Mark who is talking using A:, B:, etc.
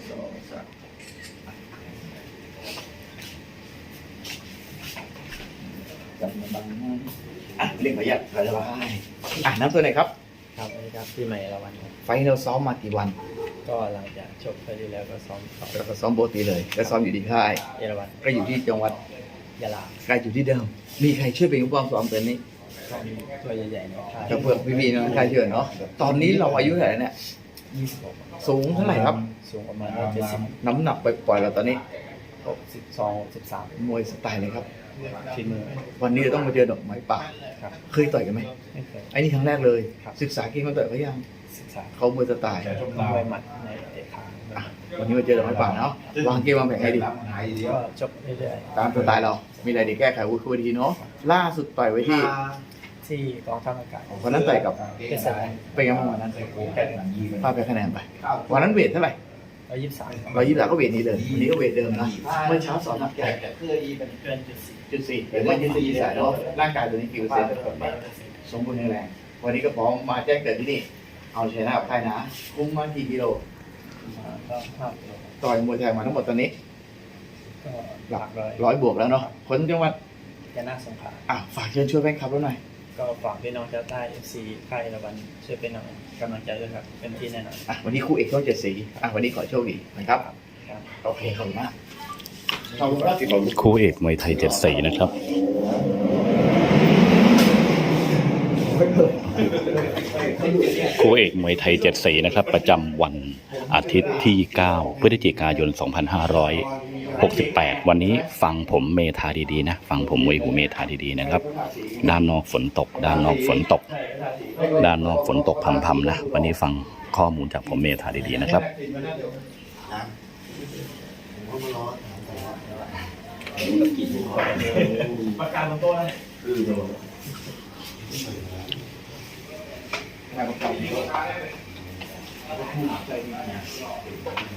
A: 2 3จับมาบังเรียกประหยัดสบายน้ำตัวไหนครับ
B: ครับสวัสดีครับพี่ใหม่ละวันครับ
A: ไฟเราซ้อมมากี่วัน
B: ก็หลังจากจบไปที่แล้วก็ซ้อม
A: แล้วก็ซ้อมปกติเลยแล้วซ้อมอยู่ที่ค่าย
B: เยอรมัน
A: ก็อยู่ที่จังหวัด
B: ยะลา
A: ใกล้อยู่ที่เดิมมีใครช่วยเป็นผู้ปกครองซ้อมตัวนี้
B: ก็มีตัวใหญ่ๆในค่าย
A: กับเพื่อนพี่ๆน้องค่ายเชิญเนาะตอนนี้เราอายุเท่าไหร่เนี่ย
B: 26
A: สูงเท่าไหร่ครับ
B: สูงประมาณ170
A: น้ำหนักปล่อยๆเราตอนนี้
B: 62 63
A: มวยสไตล์เลยครับ
B: ฝีมือ
A: วันนี้เราต้องมาเจอดอกไม้ป่า
B: ครับ
A: เคยต่อยกันไหม
B: ไม่เคย
A: ไอ้นี่ครั้งแรกเลยศึกษาเก่งมาต่อยเขายัง
B: ศึกษา
A: เขามวยสไตล์
B: มวยหมัดในเตะขา
A: วันนี้มาเจอดอกไม้ป่าเนาะวางเกมวางแผนให้ดี
B: ก็จบเรื่อย
A: ตามสไตล์เรามีอะไรดีแก้ไขวุ้ยทีเนาะล่าสุดต่อยไว้ที่
B: กองทัพอากาศ
A: วันนั้นต่อยกับ
B: เป็นสาย
A: เป็นไงบ้างวันนั้นพลาดไปคะแนนไปวันนั้นเวทเท่าไหร่
B: 123
A: ก็เวทนี้เลยวันนี้ก็เวทเดิมนะเมื่อเช้าสอนหนักใหญ่
B: เกิน
A: จุด4เห็นว่า24 สายเนาะร่างกายตัวนี้กี่เปอร์เซ็นต์สมบูรณ์แข็งแรงวันนี้ก็พร้อมมาแจ้งเกิดที่นี่เอาชนะกับใครนะคุ้มมากี่กิโล
B: ก็5 กิโล
A: ต่อยมวยไทยมาทั้งหมดตอนนี้
B: ก็หลัก
A: 100 บวกแล้วเนาะคนจังหวัด
B: ยะลาสงขลา
A: ฝากเชิญชวนแฟนคลับเราหน่อย
B: ก็ฝากพี่น้องชาวใต้ FC ค่ายละวันช่วยเป็นกำลังใจด้วยครับเป็นที่แน่นอน
A: วันนี้คู่เอกช่อง7 สีวันนี้ขอโชคดีนะครับโอเคขอบคุณมาก
C: คู่เอกมวยไทย7 สีนะครับคู่เอกมวยไทย7 สีนะครับประจำวันอาทิตย์ที่9 พฤศจิกายน 2568 วันนี้ฟังผมเมธาดีๆนะฟังผมมวยหูเมธาดีๆนะครับด้านนอกฝนตกด้านนอกฝนตกด้านนอกฝนตกพำๆนะวันนี้ฟังข้อมูลจากผมเมธาดีๆนะครับ
A: ประกาศบนโต๊ะนะ